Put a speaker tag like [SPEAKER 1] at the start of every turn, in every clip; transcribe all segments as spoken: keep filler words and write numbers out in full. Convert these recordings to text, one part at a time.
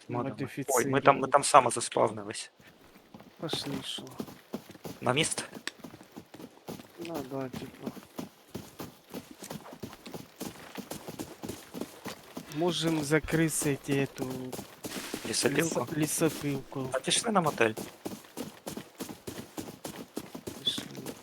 [SPEAKER 1] Модами. Ой,
[SPEAKER 2] Модифицировано.
[SPEAKER 1] ми там, ми там само заспавнились.
[SPEAKER 2] Пошли, шо.
[SPEAKER 1] На міст?
[SPEAKER 2] Ну да, типа. Можем закрыть эту
[SPEAKER 1] Лісопілку?
[SPEAKER 2] лесо- лесопилку.
[SPEAKER 1] А пішли на мотель.
[SPEAKER 2] Пошли.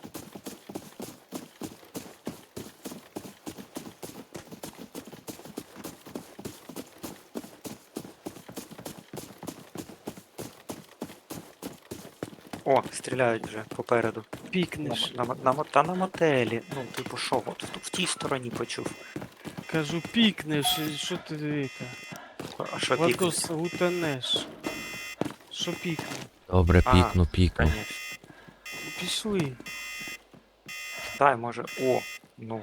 [SPEAKER 1] О, стріляють вже попереду. На,
[SPEAKER 2] Пикнешь.
[SPEAKER 1] на, на, мо- та на мотелі. Ну, типу, що, от в, в тій стороні почув.
[SPEAKER 2] Кажу, пикнешь, и что ты это?
[SPEAKER 1] А що пікнуть?
[SPEAKER 2] Владос, утонешь. Что пикнул?
[SPEAKER 3] Добре,
[SPEAKER 1] Ага,
[SPEAKER 3] пікну, пікну.
[SPEAKER 1] Конечно.
[SPEAKER 2] Пішли.
[SPEAKER 1] Дай, може. О, ну.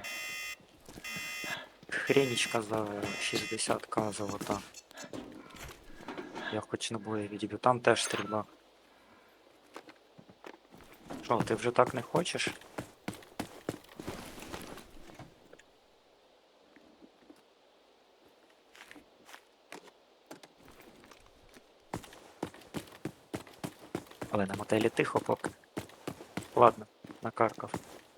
[SPEAKER 1] Хренічка за шістдесят к золота. Я хоч набої відіб'ю. Там теж стрільба. Що, ти вже так не хочеш? Але на мотелі тихо поки. Ладно, накаркав.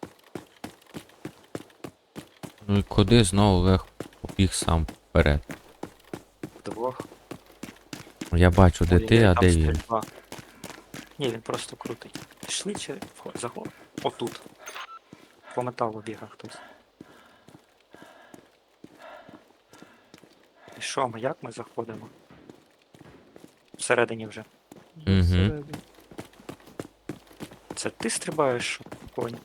[SPEAKER 3] Ну і куди знову Олег побіг сам вперед?
[SPEAKER 1] Вдвох.
[SPEAKER 3] Я бачу, де
[SPEAKER 1] Ой,
[SPEAKER 3] ти,
[SPEAKER 1] ой,
[SPEAKER 3] а
[SPEAKER 1] там
[SPEAKER 3] де він.
[SPEAKER 1] стрільба. Ні, він просто крутий. Пішли чи вход- заход? Отут. По металу бігав хтось. І що ми, як ми заходимо? Всередині вже.
[SPEAKER 3] Мгм.
[SPEAKER 2] Всередині.
[SPEAKER 1] Це ти стрибаєш, конь?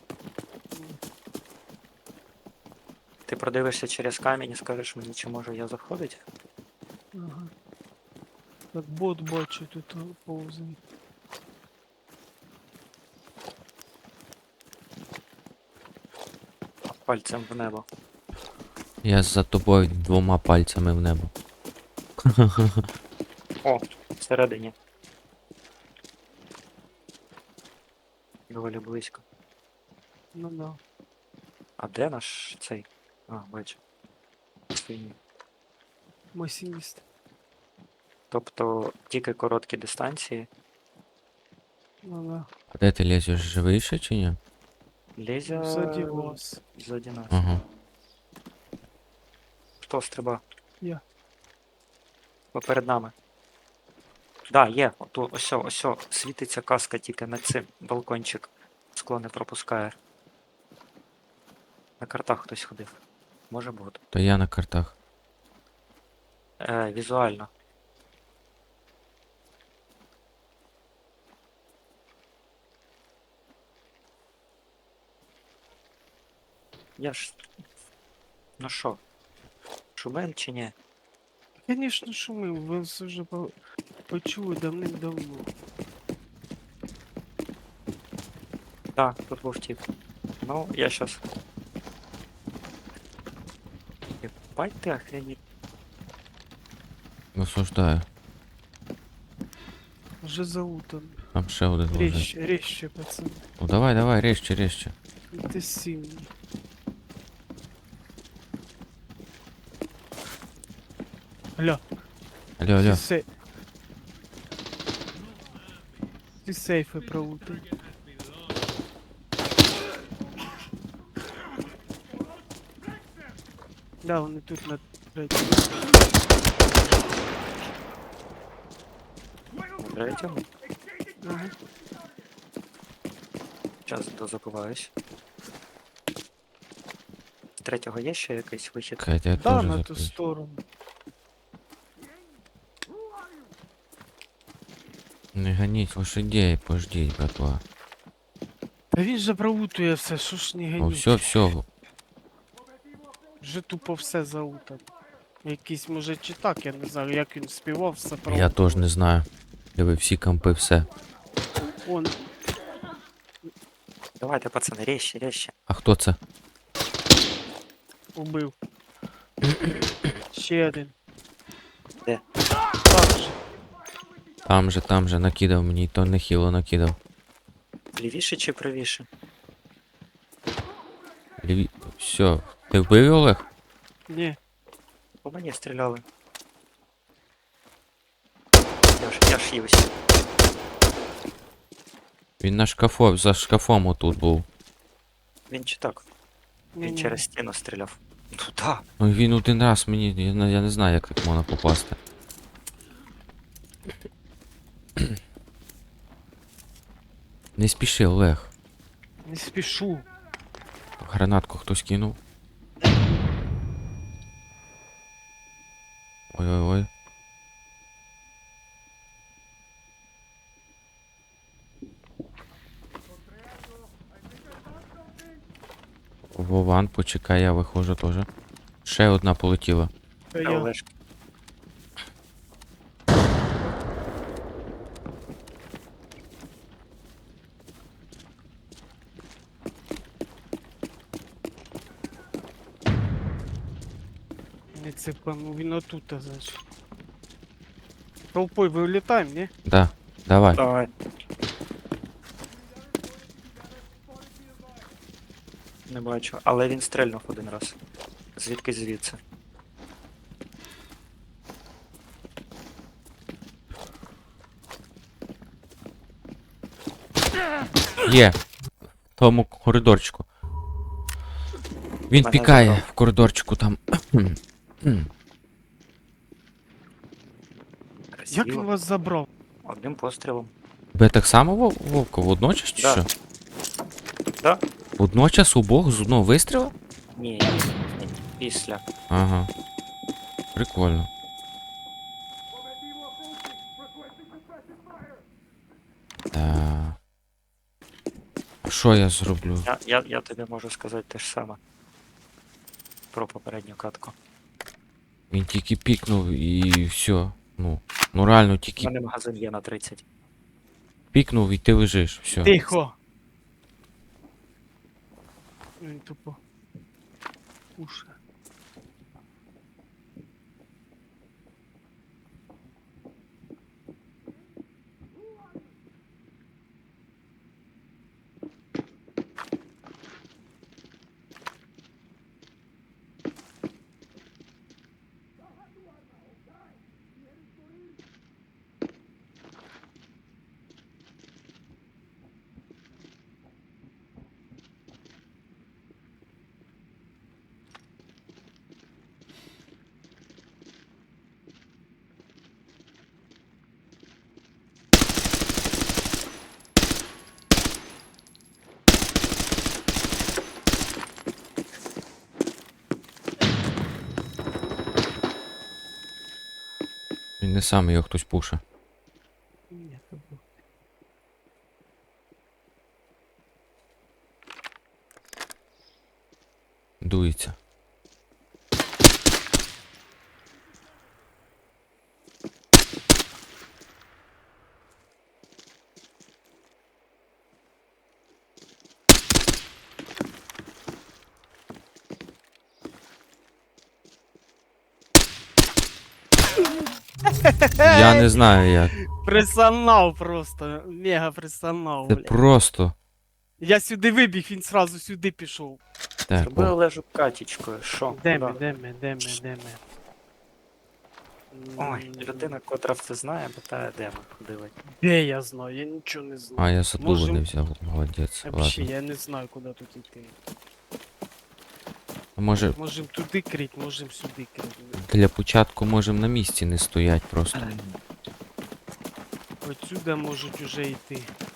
[SPEAKER 1] Ти продивишся через камінь і скажеш мені, чи можу я заходити?
[SPEAKER 2] Ага. Так бот бачу тут повзає.
[SPEAKER 1] Пальцем в небо.
[SPEAKER 3] Я за тобою двома пальцями в небо.
[SPEAKER 1] О, всередині. Доволі близько.
[SPEAKER 2] Ну да.
[SPEAKER 1] А де наш цей? А, бачу. Синій.
[SPEAKER 2] Масинист.
[SPEAKER 1] Тобто тільки короткі дистанції.
[SPEAKER 2] Ну да.
[SPEAKER 3] А де ти лізеш, живий ще чи ні?
[SPEAKER 1] Лезя
[SPEAKER 2] Сзади вас.
[SPEAKER 1] ззаді нас.
[SPEAKER 3] Ага.
[SPEAKER 1] Хто стриба?
[SPEAKER 2] Я.
[SPEAKER 1] Поперед нами. Да, є. Ото, осьо, осьо. Світиться каска тільки над цим. Балкончик. Скло не пропускає. На картах хтось ходив. Може бути.
[SPEAKER 3] То я на картах.
[SPEAKER 1] Е, візуально. Я ж. Ну що? Шумен чи ні?
[SPEAKER 2] Конечно, шумим, ви все вже по... почули давним-давно.
[SPEAKER 1] Так, тут був тип. Ну, я щас. Ебать ти охренеть.
[SPEAKER 3] Осуждаю.
[SPEAKER 2] Вже заутан.
[SPEAKER 3] Там ще один лежить.
[SPEAKER 2] Резче, резче, пацан.
[SPEAKER 3] Ну давай, давай, резче, резче.
[SPEAKER 2] Ти сильний. Алло,
[SPEAKER 3] Алло, алло.
[SPEAKER 2] ти се... Ти сейфи проутай. Да, вони тут на третьому.
[SPEAKER 1] На третьому.
[SPEAKER 2] Ага.
[SPEAKER 1] Час дозабуваюсь. З третього є ще якийсь вихід?
[SPEAKER 3] Катя, я
[SPEAKER 2] Да,
[SPEAKER 3] теж
[SPEAKER 2] на ту
[SPEAKER 3] закрив.
[SPEAKER 2] сторону.
[SPEAKER 3] Не гоніть лошадей, пождіть, братва.
[SPEAKER 2] Та він же проутує все, що ж не
[SPEAKER 3] Ну
[SPEAKER 2] ганіть.
[SPEAKER 3] все, все.
[SPEAKER 2] Вже тупо все заутав. Якийсь може чи так, я не знаю, як він співав, все проутав.
[SPEAKER 3] Я теж не знаю. Диви, всі кампи, все.
[SPEAKER 2] Он,
[SPEAKER 1] Давайте, пацани, резче, резче.
[SPEAKER 3] А хто це?
[SPEAKER 2] убив. Ще один.
[SPEAKER 1] Де?
[SPEAKER 2] Так же.
[SPEAKER 3] Там же, там же накидав мені, то нехило накидав.
[SPEAKER 1] Лівіше чи правіше?
[SPEAKER 3] Ліві... Все. Ти вбив його, Олег?
[SPEAKER 2] Ні.
[SPEAKER 1] По мені стріляли. Я ж, я ж ївся.
[SPEAKER 3] Він на шкафу, за шкафом отут був.
[SPEAKER 1] Він чи так? Він
[SPEAKER 2] Ні-ні.
[SPEAKER 1] через стіну стріляв. Ну да.
[SPEAKER 3] Ну він один раз мені. Я, не- я не знаю, як так можна попасти. Не спіши, Олег.
[SPEAKER 2] Не спішу.
[SPEAKER 3] Гранатку хтось кинув. Ой-ой-ой. Вован, почекай, я виходжу теж. Ще одна полетіла.
[SPEAKER 2] Та
[SPEAKER 1] Я
[SPEAKER 2] я.
[SPEAKER 1] Олешка.
[SPEAKER 2] Не цепанув, він отут, значить. Толпой вилітаємо, ні?
[SPEAKER 3] Да, давай.
[SPEAKER 1] Давай. Не бачу, але він стрельнув один раз. Звідки звідси?
[SPEAKER 3] Є. В тому коридорчику. Він
[SPEAKER 1] Мене
[SPEAKER 3] пікає
[SPEAKER 1] забрав.
[SPEAKER 3] в коридорчику там.
[SPEAKER 2] Як він
[SPEAKER 1] Красиво.
[SPEAKER 2] вас забрав?
[SPEAKER 1] Одним пострілом.
[SPEAKER 3] Тебе так само Вов- Вовка? Водночас чи
[SPEAKER 1] Да.
[SPEAKER 3] що?
[SPEAKER 1] Да?
[SPEAKER 3] Водночас обох з одного вистріла?
[SPEAKER 1] Ні, ні, ні. Після.
[SPEAKER 3] Ага. Прикольно. Да. А що я зроблю?
[SPEAKER 1] Я, я, я тобі можу сказати те ж саме. Про попередню катку.
[SPEAKER 3] Він тільки пікнув і все. Ну, ну реально
[SPEAKER 1] У
[SPEAKER 3] тільки
[SPEAKER 1] мене магазин є на тридцять.
[SPEAKER 3] пікнув і ти лежиш. Все.
[SPEAKER 2] Тихо! Він тупо. Уша.
[SPEAKER 3] Він не сам його хтось пуше.
[SPEAKER 2] Ні, то був.
[SPEAKER 3] Дується. Я не знаю як.
[SPEAKER 2] Присанав просто. Мега присанав,
[SPEAKER 3] Це
[SPEAKER 2] блядь.
[SPEAKER 3] просто.
[SPEAKER 2] Я сюди вибіг, він сразу сюди пішов.
[SPEAKER 3] Так,
[SPEAKER 1] Зроби
[SPEAKER 3] о,
[SPEAKER 1] Олежу катічкою. Що?
[SPEAKER 2] Де ми,
[SPEAKER 1] Куди?
[SPEAKER 2] де ми, де ми, де ми?
[SPEAKER 1] Ой,
[SPEAKER 2] М,
[SPEAKER 1] людина, котра все знає, питає, де ми ходили.
[SPEAKER 2] Де я знаю? Я нічого не знаю.
[SPEAKER 3] а я задуло
[SPEAKER 2] Можем-
[SPEAKER 3] не взяв. Молодець.
[SPEAKER 2] Вообще,
[SPEAKER 3] Ладно.
[SPEAKER 2] я не знаю, куди тут йти.
[SPEAKER 3] Може,
[SPEAKER 2] Можем туди крить, можем сюди крить.
[SPEAKER 3] для початку можемо на місці не стоять просто.
[SPEAKER 2] Отсюда можуть уже йти.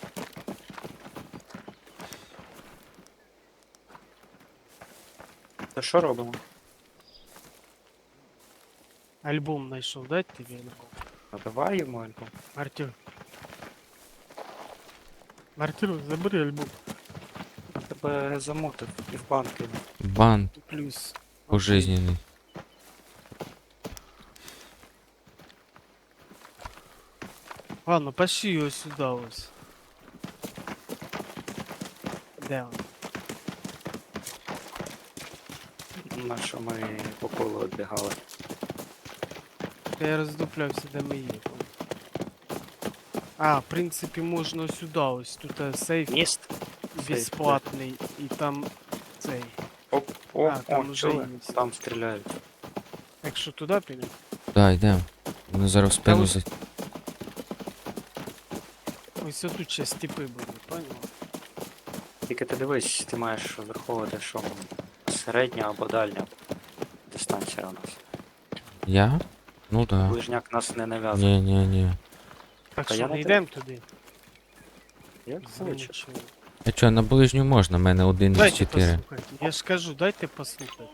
[SPEAKER 1] То що робимо?
[SPEAKER 2] Альбом знайшов, дать тобі альбом?
[SPEAKER 1] Набивай йому альбом.
[SPEAKER 2] Артюр. Артюр, забери альбом.
[SPEAKER 1] Тебе замутив і в банк кинув.
[SPEAKER 3] Бан
[SPEAKER 2] Плюс.
[SPEAKER 3] пожизненний.
[SPEAKER 2] Ладно, пошли його сюди ось. Де він?
[SPEAKER 1] На що ми по колу відбігали.
[SPEAKER 2] Я роздуплявся, де ми є. А, в принципі, можна сюди ось. Тут е, сейф
[SPEAKER 1] Міст?
[SPEAKER 2] безплатний і там цей.
[SPEAKER 1] Оп, о,
[SPEAKER 2] А, там
[SPEAKER 1] о,
[SPEAKER 2] вже
[SPEAKER 1] чули?
[SPEAKER 2] є.
[SPEAKER 1] Там стріляють.
[SPEAKER 2] Якщо туди підемо.
[SPEAKER 3] Да, йдемо. Вони зараз в спину
[SPEAKER 2] ось-
[SPEAKER 3] за...
[SPEAKER 2] Ось отут ще степи були, поняв?
[SPEAKER 1] Тільки ти дивись, ти маєш враховувати, що середня або дальня дистанція у нас.
[SPEAKER 3] Я? Ну да.
[SPEAKER 1] Ближняк нас не нав'язує.
[SPEAKER 3] Ні, ні, ні.
[SPEAKER 2] Так
[SPEAKER 1] Та
[SPEAKER 2] що
[SPEAKER 1] я
[SPEAKER 2] не
[SPEAKER 1] на
[SPEAKER 2] йдемо туди.
[SPEAKER 1] Як хочеш.
[SPEAKER 2] Звичайно.
[SPEAKER 3] А чо, на ближню можна, в мене один із
[SPEAKER 2] Дайте
[SPEAKER 3] чотири.
[SPEAKER 2] послухати. Я ж кажу, дайте послухати.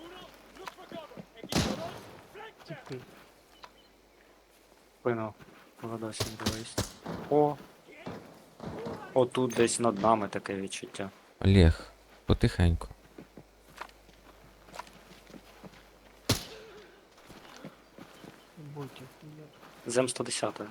[SPEAKER 2] Типи.
[SPEAKER 1] Спину Володосі дивись. О! Отут десь над нами таке відчуття.
[SPEAKER 3] Олег, потихеньку.
[SPEAKER 2] Ботів.
[SPEAKER 1] Зем сто десять.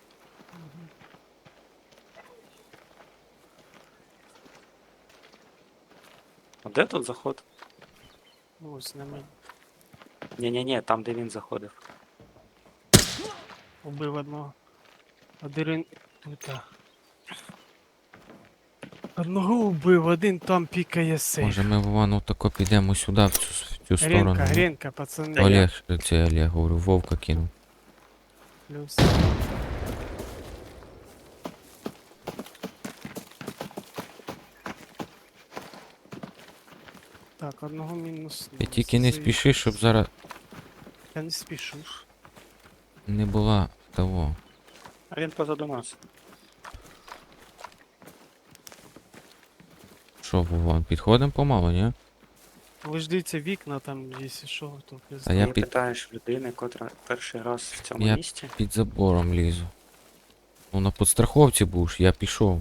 [SPEAKER 1] А де тут заход?
[SPEAKER 2] Ось на мене.
[SPEAKER 1] Ні-ні-ні, там де він заходив.
[SPEAKER 2] Убив одного. Один тут. а. Одного убив, один там пікає сейф.
[SPEAKER 3] Може ми Вовану тако підемо сюди, в цю, в цю сторону.
[SPEAKER 2] Гренка,
[SPEAKER 3] ну?
[SPEAKER 2] Гренка, пацани.
[SPEAKER 1] Та я-
[SPEAKER 3] Олег, це Олег, говорю, Вовка кинув.
[SPEAKER 2] Плюс. Так, одного мінус.
[SPEAKER 3] Ти тільки не спіши, щоб зараз
[SPEAKER 2] Я не спішу ж.
[SPEAKER 3] не була того.
[SPEAKER 1] А він позаду нас.
[SPEAKER 3] Що, Вован, підходимо помалу, ні?
[SPEAKER 2] Ви ж дивіться вікна там, якщо що, то
[SPEAKER 3] А я
[SPEAKER 1] Ти
[SPEAKER 3] під-
[SPEAKER 1] питаєш людини, котра перший раз в цьому
[SPEAKER 3] Я-
[SPEAKER 1] місті.
[SPEAKER 3] Під забором лізу. Ну на підстраховці будеш, я пішов.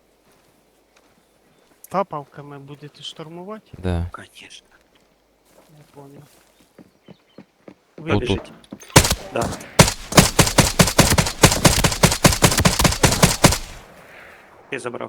[SPEAKER 2] Тапавками будете штурмувати?
[SPEAKER 3] Да.
[SPEAKER 1] Конечно.
[SPEAKER 2] Я понял.
[SPEAKER 3] Отут.
[SPEAKER 1] Вибіжить. Да. Ти забрав.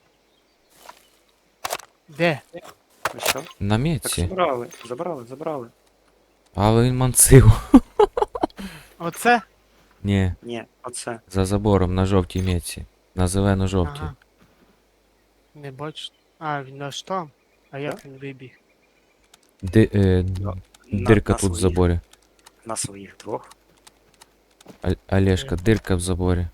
[SPEAKER 2] Де?
[SPEAKER 1] Ну що?
[SPEAKER 3] На
[SPEAKER 1] Так
[SPEAKER 3] мітці.
[SPEAKER 1] забрали, забрали, забрали.
[SPEAKER 3] Але він мансив.
[SPEAKER 2] Оце?
[SPEAKER 3] Ні,
[SPEAKER 1] Ні, оце.
[SPEAKER 3] за забором на жовтій мітці. На зелено-жовтій.
[SPEAKER 2] Ага. Не бачу. А, він аж там. А як він вибіг?
[SPEAKER 3] Ди, е,
[SPEAKER 1] На-
[SPEAKER 3] дирка
[SPEAKER 1] на
[SPEAKER 3] тут в
[SPEAKER 1] своїх-
[SPEAKER 3] заборі.
[SPEAKER 1] На своїх двох.
[SPEAKER 3] А- Олежка, дирка в заборі.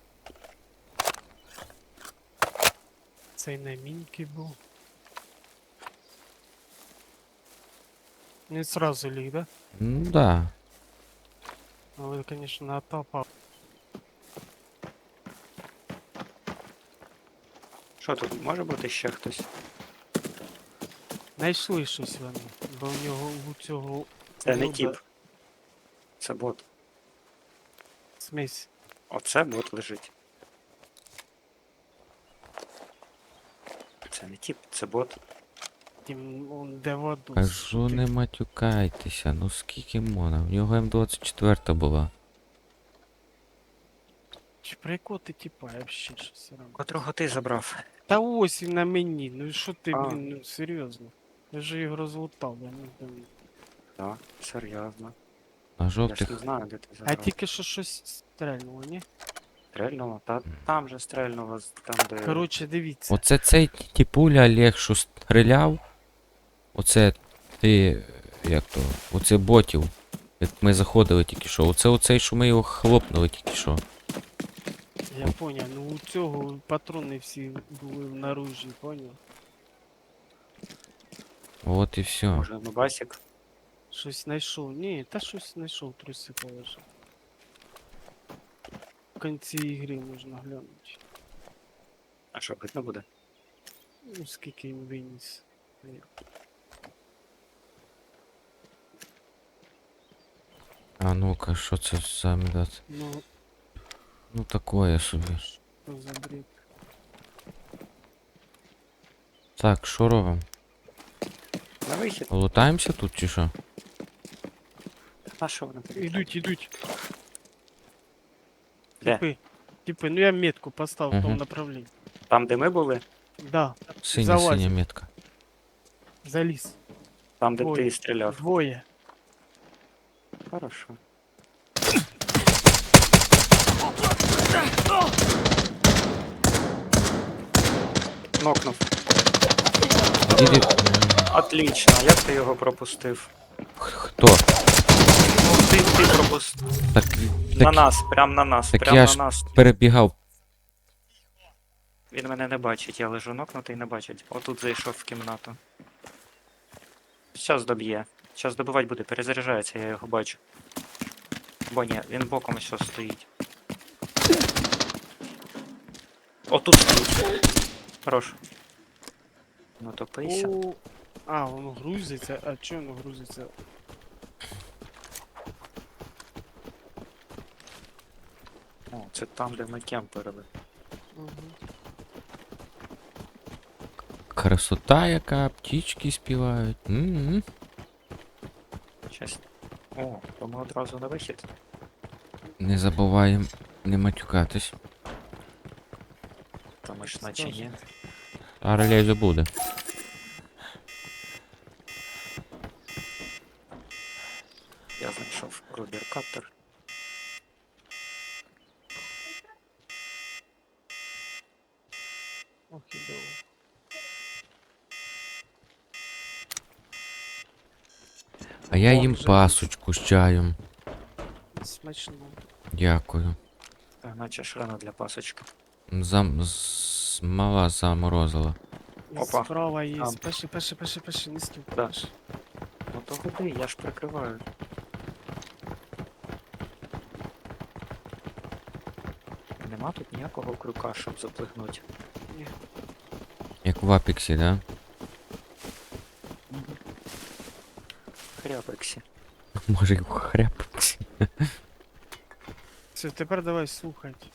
[SPEAKER 2] Цей на мінки був. Не сразу ліг, да?
[SPEAKER 3] Ну да.
[SPEAKER 2] Але, конечно, натапав.
[SPEAKER 1] Що тут? Може бути ще хтось?
[SPEAKER 2] Знайшли щось вони, бо у нього у цього
[SPEAKER 1] Це не
[SPEAKER 2] Лоба
[SPEAKER 1] тіп. Це бот.
[SPEAKER 2] смесь.
[SPEAKER 1] Оце бот лежить. Це не тіп, це бот.
[SPEAKER 2] Тим он де воду.
[SPEAKER 3] Кажу, не матюкайтеся, ну скільки можна? В нього М двадцять чотири була.
[SPEAKER 2] Чи про якого ти типа, я вообще щось робив.
[SPEAKER 1] Котрого ти забрав?
[SPEAKER 2] Та ось він на мені, ну і що ти,
[SPEAKER 1] А.
[SPEAKER 2] блін, ну серйозно. Я же його розлутав, я не знаю.
[SPEAKER 1] Так, серйозно.
[SPEAKER 3] На
[SPEAKER 1] Я ж
[SPEAKER 3] жовтих.
[SPEAKER 1] не знаю, де ти
[SPEAKER 2] А
[SPEAKER 1] забрав.
[SPEAKER 2] тільки що щось стрельнуло, ні?
[SPEAKER 1] Стрельнуло? Та там же стрельнуло, з- там де...
[SPEAKER 2] Коротше, дивіться.
[SPEAKER 3] Оце цей тіпуля Олег, що стріляв. Оце ти. Як то? Оце ботів. Як ми заходили тільки що. Оце оцей, що ми його хлопнули тільки що.
[SPEAKER 2] Я поняв, ну у цього патрони всі були в наружі, поняв?
[SPEAKER 3] От і все.
[SPEAKER 1] Може, Нубасик?
[SPEAKER 2] Щось знайшов. Ні, та щось знайшов, труси положив. В кінці ігри можна глянути.
[SPEAKER 1] А що, видно буде?
[SPEAKER 2] Ну, скільки він виніс. Ні.
[SPEAKER 3] А ну-ка, що це за медат?
[SPEAKER 2] Ну,
[SPEAKER 3] Ну такое собі.
[SPEAKER 2] що за бред.
[SPEAKER 3] Так, що робимо?
[SPEAKER 1] На вихід.
[SPEAKER 3] Лутаємося тут чи що?
[SPEAKER 1] А що вони? тут?
[SPEAKER 2] Ідуть, ідуть.
[SPEAKER 1] Де?
[SPEAKER 2] Типи. Типи, ну я метку поставив в тому
[SPEAKER 3] Мгм.
[SPEAKER 2] направленні.
[SPEAKER 1] Там, де ми були?
[SPEAKER 2] Да,
[SPEAKER 3] Синя,
[SPEAKER 2] Залазь.
[SPEAKER 3] синя метка.
[SPEAKER 2] заліз.
[SPEAKER 1] Там, де
[SPEAKER 2] Двоє.
[SPEAKER 1] ти стріляв.
[SPEAKER 2] Двоє.
[SPEAKER 1] Хорошо. Нокнув.
[SPEAKER 3] Іди.
[SPEAKER 1] Отлично, як ти його пропустив?
[SPEAKER 3] Хто?
[SPEAKER 1] Ну, ти, ти пропустив.
[SPEAKER 3] Так,
[SPEAKER 1] На
[SPEAKER 3] так
[SPEAKER 1] нас, прям на нас,
[SPEAKER 3] так
[SPEAKER 1] прям
[SPEAKER 3] я
[SPEAKER 1] на
[SPEAKER 3] ж-
[SPEAKER 1] нас.
[SPEAKER 3] перебігав.
[SPEAKER 1] Він мене не бачить, я лежу нокнутий, не бачить. Отут зайшов в кімнату. Щас доб'є. Щас добивати буде, перезаряджається, я його бачу. Бо ні, він боком ось стоїть. Отут стоїть. Хорош. Ну топися.
[SPEAKER 2] О, а, воно грузиться. А чого воно грузиться?
[SPEAKER 1] О, це там, де ми кемперили.
[SPEAKER 2] Угу.
[SPEAKER 3] Красота яка, птічки співають. М-м.
[SPEAKER 1] Щас. О, то ми одразу на вихід.
[SPEAKER 3] Не забуваємо не матюкатись.
[SPEAKER 1] Та ми ж наче ні.
[SPEAKER 3] А релейзу буде.
[SPEAKER 1] Я знайшов Рубер Каптер.
[SPEAKER 2] Ох, ідео.
[SPEAKER 3] А я
[SPEAKER 2] О,
[SPEAKER 3] їм
[SPEAKER 2] вже
[SPEAKER 3] пасочку з чаєм.
[SPEAKER 2] Смачно.
[SPEAKER 3] Дякую.
[SPEAKER 1] Та наче ж рано для пасочки.
[SPEAKER 3] Зам... з- Мала заморозила.
[SPEAKER 2] І
[SPEAKER 1] Опа.
[SPEAKER 2] справа є.
[SPEAKER 1] Там.
[SPEAKER 2] Пеши, пеши, пеши, пеши, не стук.
[SPEAKER 1] Да.
[SPEAKER 2] Пеши.
[SPEAKER 1] Ну то ходи, я ж прикриваю. Нема тут ніякого крюка, щоб заплигнути.
[SPEAKER 2] Ні.
[SPEAKER 3] Як в Апексі, да?
[SPEAKER 1] Хряпексі.
[SPEAKER 3] Може і в Хряпексі.
[SPEAKER 2] Все, тепер давай слухать.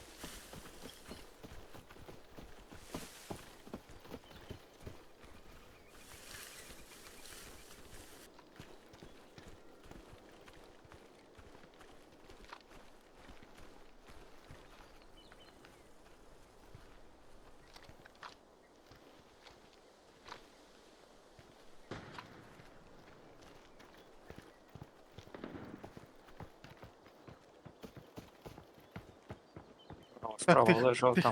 [SPEAKER 1] О, справа
[SPEAKER 2] тихо,
[SPEAKER 1] лежав
[SPEAKER 2] тихо.
[SPEAKER 1] там.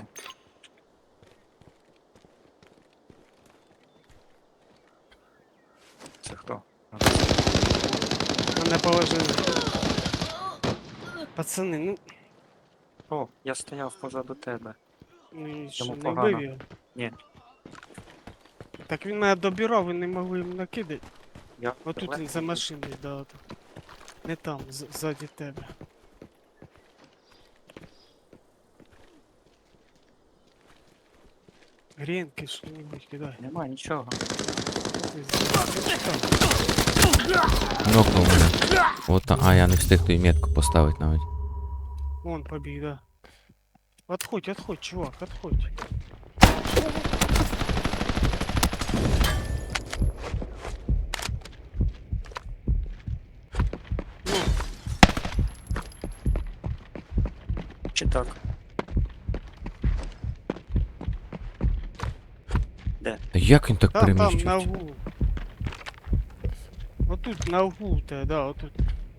[SPEAKER 1] Це хто?
[SPEAKER 2] Мене положили. Пацани, ну,
[SPEAKER 1] О, я стояв позаду тебе.
[SPEAKER 2] ну і що,
[SPEAKER 1] Йому
[SPEAKER 2] не
[SPEAKER 1] погано.
[SPEAKER 2] вбив його?
[SPEAKER 1] Ні.
[SPEAKER 2] Так він мене добирав, ви не могли їм накидати.
[SPEAKER 1] Я
[SPEAKER 2] Отут він за машиною, да, от. Не там, з- ззаді тебе. Гренки, що-нибудь кидай.
[SPEAKER 1] Нема нічого.
[SPEAKER 2] Ти з- Що там?
[SPEAKER 3] Нокнув мене. От, та- а я не встиг ту метку поставити навіть.
[SPEAKER 2] Вон побіг, да. Отходь, отходь, чувак, отходь. Ну,
[SPEAKER 1] Чи так? Де?
[SPEAKER 3] Та як він так
[SPEAKER 2] там, там, на
[SPEAKER 3] переміщується?
[SPEAKER 2] углу. Отут, на углу те, да, отут.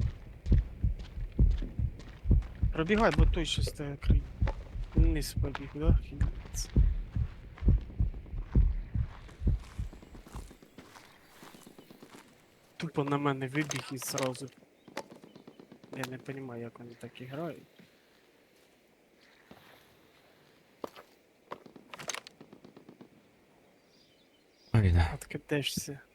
[SPEAKER 2] Пробігай, бо той щось тебе крий. Вниз побіг, да? Хінець. Тупо на мене вибіг і зразу. Я не розумію, як вони так грають.
[SPEAKER 3] Ой, да.
[SPEAKER 2] Откидешся.